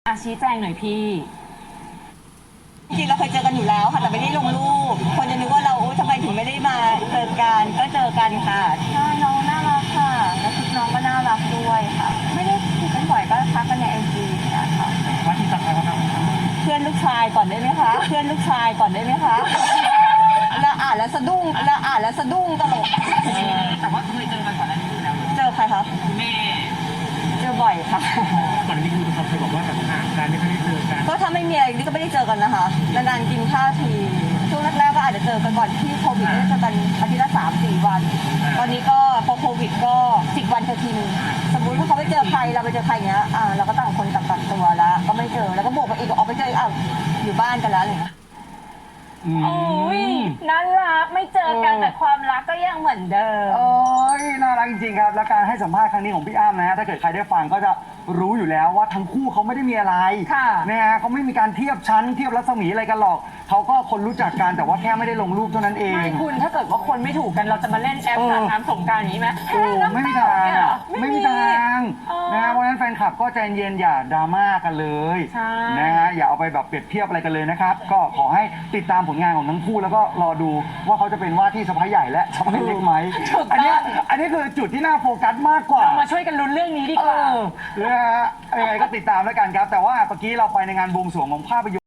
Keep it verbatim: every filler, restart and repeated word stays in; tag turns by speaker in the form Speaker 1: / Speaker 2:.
Speaker 1: อาชี้แจงหน่อยพี่
Speaker 2: จริงเราเคยเจอกันอยู่แล้วค่ะแต่ไม่ได้ลงรูปคนจะนึกว่าเราทำไมถึงไม่ได้มาเจอกันก็เจอกันค่ะใช่น้องน่ารักค่ะแล้วชุดน้องก็น่ารักด้วยค่ะไม่ได้คุยกันบ่อยก็ทักกันในไอจีนะคะ
Speaker 3: ว่าที่สักใครเขาท
Speaker 2: เพื่อนลูกชายก่อนได้ไหมคะเพื่อนลูกชายก่อนได้ไหมคะเราอ่านแล้วสะดุ้งเราอ่านแล้วสะดุ้งตลก
Speaker 3: แต่ว่าเคยเจอกันก่อนหน้านี้อยู่แล้ว
Speaker 2: เจอใครคะ
Speaker 3: แม่
Speaker 2: เจอบ่อยค่ะ
Speaker 3: ก่อนนี้คือเขาเคยบอกว่าแบบห่างกันไม่ค่อยได้เจอกัน
Speaker 2: ก็ถ้าไม่มีอะไรนี่ก็ไม่ได้เจอกันนะคะนานๆกินข้าวทีช่วงแรกๆก็อาจจะเจอกันก่อนที่โควิดได้เจอกันอาทิตย์ละสามสี่วันตอนนี้ก็พอโควิดก็สิบวันเจอทีนึงสมมุติถ้าเขาไปเจอใครเราไปเจอใครอย่างเงี้ยอ่าเราก็ต่างคนต่างกักตัวแล้วก็ไม่เจอแล้วก็บวกไปอีกออกไปเจออ้าวอยู่บ้านกันแล้วอะไรเงี้ย
Speaker 1: โอ้ยน่ารักไม่เจอกันแต่ความรักก็ยังเหมือนเดิม
Speaker 4: โอ้ยน่ารักจริงๆครับและการให้สัมภาษณ์ครั้งนี้ของพี่อ้ำนะฮะถ้าเกิดใครได้ฟังก็จะรู้อยู่แล้วว่าทั้งคู่เขาไม่ได้มีอะไรนะฮะเขาไม่มีการเทียบชั้นเทียบรัศมีอะไรกันหรอกเขาก็คนรู้จักกันแต่ว่าแค่ไม่ได้ลงรูปเท่านั้นเอง
Speaker 1: ไม่คุณถ้าเกิดว่าคนไม่ถูกกันเราจะมาเล่นแอปสาดน้ำสงกรานต์อย่างนี้ไหม
Speaker 4: โอ้ไม่มีทางไม่มีทางนะฮะเพราะฉะนั้นแฟนคลับก็ใจเย็นอย่าดราม่ากันเลยนะฮะอย่าเอาไปแบบเปรียบเทียบอะไรกันเลยนะครับก็ขอให้ติดตามผลงานของทั้งคู่แล้วก็รอดูว่าเขาจะเป็นว่าที่สะพ้ายใหญ่และสะพ้ายเล็กไหมอันนี้อันนี้คือจุดที่น่าโฟกัสมากกว่า
Speaker 1: มาช่วยกันลุ้นเรื่องนี้ดีกว่า
Speaker 4: นะฮะยังไงก็ติดตามแล้วกันครับแต่ว่าเมื่อกี้เราไปในงานบวงสรวงของภาพยนตร์